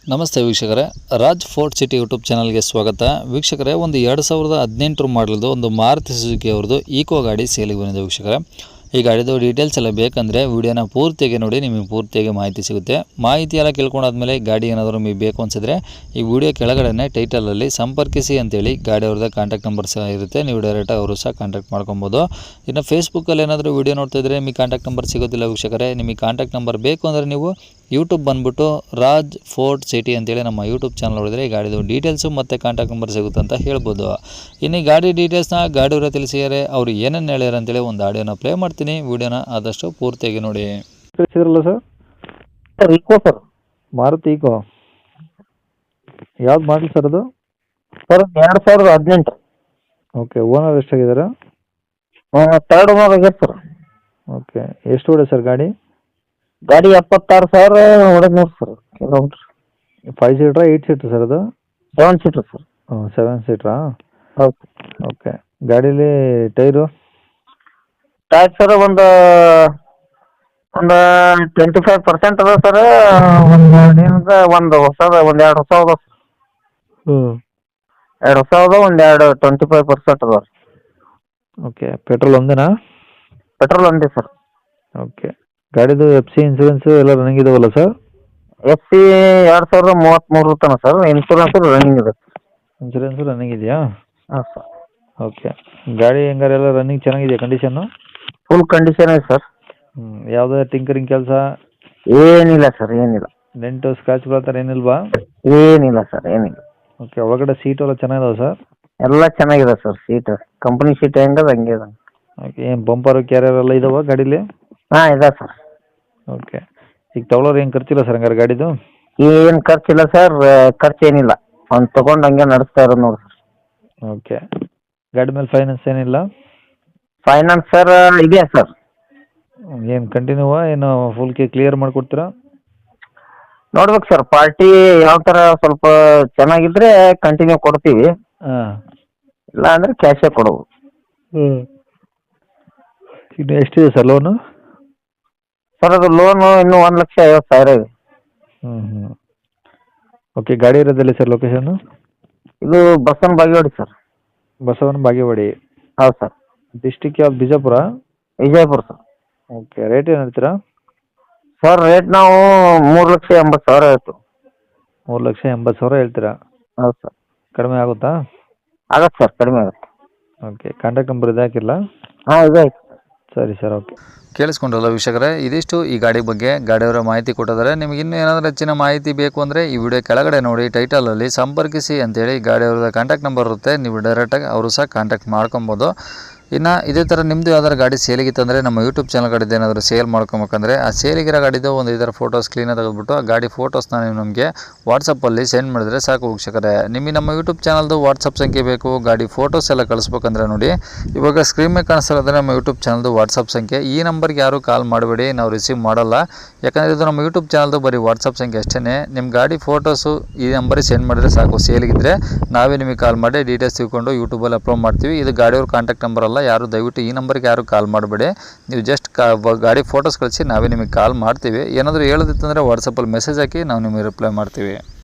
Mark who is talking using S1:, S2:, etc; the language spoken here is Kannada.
S1: ನಮಸ್ತೆ ವೀಕ್ಷಕರೇ, ರಾಜ್ ಫೋರ್ಟ್ ಸಿಟಿ ಯೂಟ್ಯೂಬ್ ಚಾನಲ್ಗೆ ಸ್ವಾಗತ. ವೀಕ್ಷಕರೇ, ಒಂದು 2018 ಮಾಡಲದು ಒಂದು ಮಾರುತಿ ಸುಜುಕಿ ಅವ್ರದ್ದು ಈಕೋ ಗಾಡಿ ಸೇಲಿಗೆ ಬಂದಿದೆ. ವೀಕ್ಷಕರೇ, ಈ ಗಾಡಿದು ಡೀಟೇಲ್ಸ್ ಎಲ್ಲ ಬೇಕಂದರೆ ವಿಡಿಯೋನ ಪೂರ್ತಿಯಾಗಿ ನೋಡಿ, ನಿಮಗೆ ಪೂರ್ತಿಯಾಗಿ ಮಾಹಿತಿ ಸಿಗುತ್ತೆ. ಮಾಹಿತಿ ಎಲ್ಲ ಕೇಳ್ಕೊಂಡಾದ್ಮೇಲೆ ಗಾಡಿ ಏನಾದರೂ ನಿಮಗೆ ಬೇಕು ಅನಿಸಿದ್ರೆ ಈ ವಿಡಿಯೋ ಕೆಳಗಡೆ ಟೈಟಲಲ್ಲಿ ಸಂಪರ್ಕಿಸಿ ಅಂತೇಳಿ ಗಾಡಿ ಅವ್ರದ್ದು ಕಾಂಟ್ಯಾಕ್ಟ್ ನಂಬರ್ ಸಹ ಇರುತ್ತೆ. ನೀವು ಡೈರೆಕ್ಟಾಗಿ ಅವರು ಸಹ ಕಾಂಟ್ಯಾಕ್ಟ್ ಮಾಡ್ಕೊಬೋದು. ಇನ್ನು ಫೇಸ್ಬುಕ್ಕಲ್ಲಿ ಏನಾದರೂ ವಿಡಿಯೋ ನೋಡ್ತಾ ಇದ್ದರೆ ನಿಮಗೆ ಕಾಂಟ್ಯಾಕ್ಟ್ ನಂಬರ್ ಸಿಗೋದಿಲ್ಲ. ವೀಕ್ಷಕರೇ, ನಿಮಗೆ ಕಾಂಟ್ಯಾಕ್ಟ್ ನಂಬರ್ ಬೇಕು ಅಂದರೆ ನೀವು ಯೂಟ್ಯೂಬ್ ಬಂದುಬಿಟ್ಟು ರಾಜ್ ಫೋರ್ಟ್ ಸಿಟಿ ಅಂತೇಳಿ ನಮ್ಮ ಯೂಟ್ಯೂಬ್ ಚಾನಲ್ ನೋಡಿದರೆ ಈ ಗಾಡಿದು ಡೀಟೇಲ್ಸು ಮತ್ತು ಕಾಂಟ್ಯಾಕ್ಟ್ ನಂಬರ್ ಸಿಗುತ್ತೆ ಅಂತ ಹೇಳ್ಬೋದು. ಇನ್ನು ಈ ಗಾಡಿ ಡೀಟೇಲ್ಸ್ನ ಗಾಡಿಯವರ ತಿಳಿಸಿದ್ದಾರೆ, ಅವರು ಏನೇನು ಹೇಳ್ಯಾರ ಅಂತೇಳಿ ಒಂದು ಆಡಿಯೋನ ಪ್ಲೇ ಮಾಡ್ತೀನಿ. ವಿಡಿಯೋನ ಆದಷ್ಟು ಪೂರ್ತಿಯಾಗಿ ನೋಡಿ.
S2: ಕಳಿಸಿದ್ರಲ್ಲ sir?
S3: Sir Eeco sir.
S2: Maruti Eeco ಯಾವ್ದು ಮಾಡಲಿ ಸರ್ ಅದು?
S3: ಸರ್ 2018.
S2: ಓಕೆ. ಓನರ್ ಎಷ್ಟಾಗಿದ್ದಾರೆ?
S3: ಥರ್ಡ್ ಓನರ್ ಆಗ್ಯದ ಸರ್.
S2: ಓಕೆ. ಎಷ್ಟು ಹೊಡೆ ಸರ್ ಗಾಡಿ?
S3: ಗಾಡಿ 76,000 ಹೊಡೆದ್ ನೋಡಿ ಸರ್ ಕಿಲೋಮೀಟ್ರ್.
S2: 5 ಸೀಟ್ರಾ 8 ಸೀಟ್ರ್ ಸರ್ ಅದು?
S3: 7 ಸೀಟರ್ ಸರ್.
S2: 7 ಸೀಟ್ರಾ?
S3: ಹೌದು.
S2: ಓಕೆ. ಗಾಡೀಲಿ ಟೈರು?
S3: ಟೈರ್ ಸರ್ ಒಂದು 25% ಅದ ಸರ್. ಒಂದು ಹೊಸದ ಎರಡು ಹೊಸ ಅದ ಸರ್. ಎರಡು ಹೊಸ ಅದ, ಎರಡು 25% ಅದ.
S2: ಓಕೆ. ಪೆಟ್ರೋಲ್ ಒಂದೇನಾ?
S3: ಪೆಟ್ರೋಲ್ ಒಂದೇ ಸರ್.
S2: ಓಕೆ. ಗಾಡಿದು FC ಇನ್ಸೂರೆನ್ಸು ಎಲ್ಲ ರನ್ನಿಂಗ್ ಇದಾವಲ್ಲ ಸರ್?
S3: FC 2033 ತನಕ ಸರ್. ಇನ್ಶೂರೆನ್ಸ್ ರನ್ನಿಂಗ್ ಇದೆ.
S2: ಇನ್ಸೂರೆನ್ಸು ರನ್ನಿಂಗ್ ಇದೆಯಾ?
S3: ಹಾಂ ಸರ್.
S2: ಓಕೆ. ಗಾಡಿ ಹೆಂಗಾರೆ ಎಲ್ಲ ರನ್ನಿಂಗ್ ಚೆನ್ನಾಗಿದೆಯಾ ಕಂಡೀಷನ್ನು?
S3: ಫುಲ್ ಕಂಡೀಷನ್ ಇದೆ ಸರ್.
S2: ಯಾವುದೇ ಟಿಂಕರಿಂಗ್ ಕೆಲಸ?
S3: ಏನಿಲ್ಲ ಸರ್, ಏನಿಲ್ಲ.
S2: ಡೆಂಟು ಸ್ಕ್ರಾಚ್ಗಳು ಆ ಥರ ಏನಿಲ್ವಾ?
S3: ಏನಿಲ್ಲ ಸರ್, ಏನಿಲ್ಲ.
S2: ಓಕೆ. ಒಳಗಡೆ ಸೀಟು ಎಲ್ಲ ಚೆನ್ನಾಗಿದಾವೆ ಸರ್?
S3: ಎಲ್ಲ ಚೆನ್ನಾಗಿದೆ ಸರ್. ಸೀಟ್ ಕಂಪ್ನಿ ಸೀಟ್ ಹೆಂಗದ ಹಂಗೆ ಇದೆ.
S2: ಓಕೆ. ಏನು ಬಂಪರು ಕ್ಯಾರಿಯರ್ ಎಲ್ಲ ಇದಾವ ಗಾಡೀಲಿ?
S3: ಹಾಂ ಇದೆ ಸರ್.
S2: ಓಕೆ. ಈಗ ತೊಗೊಳೋರು ಏನು ಖರ್ಚಿಲ್ಲ ಸರ್ ಹಂಗಾರೆ ಗಾಡಿದು?
S3: ಏನು ಖರ್ಚಿಲ್ಲ ಸರ್, ಖರ್ಚು ಏನಿಲ್ಲ. ಅವ್ನು ತೊಗೊಂಡು ಹಂಗೆ ನಡೆಸ್ತಾ ಇರೋದು ನೋಡಿ ಸರ್.
S2: ಓಕೆ. ಗಾಡಿ ಮೇಲೆ ಫೈನಾನ್ಸ್ ಏನಿಲ್ಲ?
S3: ಫೈನಾನ್ಸ್ ಸರ್ ಇದೆಯಾ ಸರ್.
S2: ಏನು ಕಂಟಿನ್ಯೂವಾ ಏನು ಫುಲ್ ಕ್ಲಿಯರ್ ಮಾಡಿಕೊಡ್ತೀರಾ?
S3: ನೋಡ್ಬೇಕು ಸರ್, ಪಾರ್ಟಿ ಯಾವ ಥರ ಸ್ವಲ್ಪ ಚೆನ್ನಾಗಿದ್ರೆ ಕಂಟಿನ್ಯೂ ಕೊಡ್ತೀವಿ.
S2: ಹಾಂ.
S3: ಇಲ್ಲ ಅಂದರೆ ಕ್ಯಾಶೇ ಕೊಡೋದು.
S2: ಇನ್ನು ಎಷ್ಟಿದೆ ಸರ್ ಲೋನು?
S3: ಸರ್ ಅದು ಲೋನು ಇನ್ನೂ 1,50,000 ಇದೆ.
S2: ಓಕೆ. ಗಾಡಿ ಇರೋದಿಲ್ಲ ಸರ್ ಲೊಕೇಶನ್ನು?
S3: ಇದು ಬಸವನ ಬಾಗೇವಾಡಿ ಸರ್.
S2: ಬಸವನ ಬಾಗೇವಾಡಿ.
S3: ಹೌದು ಸರ್.
S2: ಡಿಸ್ಟಿಕ್ ಯಾವ್ದು? Bijapur?
S3: Vijayapura sir.
S2: Okay. Rate ಏನು ಹೇಳ್ತೀರಾ?
S3: ಸರ್ ರೇಟ್ ನಾವು 3,80,000 ಆಯಿತು.
S2: 3,80,000 ಹೇಳ್ತೀರಾ?
S3: ಹೌದು ಸರ್.
S2: ಕಡಿಮೆ ಆಗುತ್ತಾ?
S3: ಆಗತ್ತೆ ಸರ್, ಕಡಿಮೆ ಆಗುತ್ತೆ.
S2: ಓಕೆ. ಕಾಂಟ್ಯಾಕ್ಟ್ ನಂಬರ್ ಇದು ಹಾಕಿಲ್ಲ?
S3: ಹಾಂ ಇದೆ.
S2: ಸರಿ ಸರ್. ಓಕೆ.
S1: ಕೇಳಿಸ್ಕೊಂಡ್ರಲ್ಲ ವೀಕ್ಷಕರೇ, ಇದಿಷ್ಟು ಈ ಗಾಡಿ ಬಗ್ಗೆ ಗಾಡಿಯವರ ಮಾಹಿತಿ ಕೊಟ್ಟಿದ್ದಾರೆ. ನಿಮಗೆ ಇನ್ನೂ ಏನಾದರೂ ಹೆಚ್ಚಿನ ಮಾಹಿತಿ ಬೇಕು ಅಂದರೆ ಈ ವಿಡಿಯೋ ಕೆಳಗಡೆ ನೋಡಿ ಟೈಟಲಲ್ಲಿ ಸಂಪರ್ಕಿಸಿ ಅಂತೇಳಿ ಗಾಡಿಯವ್ರದ್ದು ಕಾಂಟ್ಯಾಕ್ಟ್ ನಂಬರ್ ಇರುತ್ತೆ. ನೀವು ಡೈರೆಕ್ಟಾಗಿ ಅವರು ಸಹ ಕಾಂಟ್ಯಾಕ್ಟ್ ಮಾಡ್ಕೊಬೋದು. ಇನ್ನು ಇದೇ ಥರ ನಿಮ್ಮದು ಯಾವ್ದಾದ್ರು ಗಾಡಿ ಸೇಲಿಗಿತ್ತಂದರೆ ನಮ್ಮ ಯೂಟ್ಯೂಬ್ ಚಾನಲ್ ಕಡೆದು ಏನಾದರೂ ಸೇಲ್ ಮಾಡ್ಕೊಬೇಕಂದ್ರೆ ಆ ಸೇಲಿಗಿರೋ ಗಾಡಿದು ಒಂದು ಇದರ ಫೋಟೋಸ್ ಕ್ಲೀನಾಗಿ ತೆಗೆದುಬಿಟ್ಟು ಆ ಗಾಡಿ ಫೋಟೋಸ್ನ ನೀವು ನಮಗೆ ವಾಟ್ಸಪ್ಪಲ್ಲಿ ಸೆಂಡ್ ಮಾಡಿದ್ರೆ ಸಾಕು ವೀಕ್ಷಕರೇ. ನಿಮಗೆ ನಮ್ಮ ಯೂಟ್ಯೂಬ್ ಚಾನಲ್ದು ವಾಟ್ಸಪ್ ಸಂಖ್ಯೆ ಬೇಕು, ಗಾಡಿ ಫೋಟೋಸ್ ಎಲ್ಲ ಕಳಿಸ್ಬೇಕಂದ್ರೆ ನೋಡಿ ಇವಾಗ ಸ್ಕ್ರೀನ್ ಮೇಲೆ ಕಾಣಿಸ್ತಿರೋದ್ರೆ ನಮ್ಮ ಯೂಟ್ಯೂಬ್ ಚಾನಲ್ದು ವಾಟ್ಸಪ್ ಸಂಖ್ಯೆ. ಈ ನಂಬರ್ಗೆ ಯಾರು ಕಾಲ್ ಮಾಡಬೇಡಿ, ನಾವು ರಿಸೀವ್ ಮಾಡಲ್ಲ. ಯಾಕಂದರೆ ಇದು ನಮ್ಮ ಯೂಟ್ಯೂಬ್ ಚಾನಲ್ದು ಬರೀ ವಾಟ್ಸಪ್ ಸಂಖ್ಯೆ ಅಷ್ಟೇ. ನಿಮ್ಮ ಗಾಡಿ ಫೋಟೋಸು ಈ ನಂಬರಿಗೆ ಸೆಂಡ್ ಮಾಡಿದ್ರೆ ಸಾಕು. ಸೇಲಿಗಿದ್ರೆ ನಾವೇ ನಿಮಗೆ ಕಾಲ್ ಮಾಡಿ ಡೀಟೇಲ್ಸ್ ತಿಳ್ಕೊಂಡು ಯೂಟ್ಯೂಬಲ್ಲಿ ಅಪ್ಲೋಡ್ ಮಾಡ್ತೀವಿ. ಇದು ಗಾಡಿಯವ್ರ ಕಾಂಟ್ಯಾಕ್ಟ್ ನಂಬರ್ ಅಲ್ಲ. ಯಾರು ದಯವಿಟ್ಟು ಈ ನಂಬರ್ಗೆ ಯಾರು ಕಾಲ್ ಮಾಡಬೇಡಿ. ನೀವು ಜಸ್ಟ್ ಗಾಡಿ ಫೋಟೋಸ್ ಕಳಿಸಿ ನಾವೇ ನಿಮಗೆ ಕಾಲ್ ಮಾಡ್ತೀವಿ. ಏನಾದರೂ ಹೇಳೋದಿತ್ತಂದರೆ ವಾಟ್ಸಪ್ಪಲ್ಲಿ ಮೆಸೇಜ್ ಹಾಕಿ ನಾವು ನಿಮಗೆ ರಿಪ್ಲೈ ಮಾಡ್ತೀವಿ.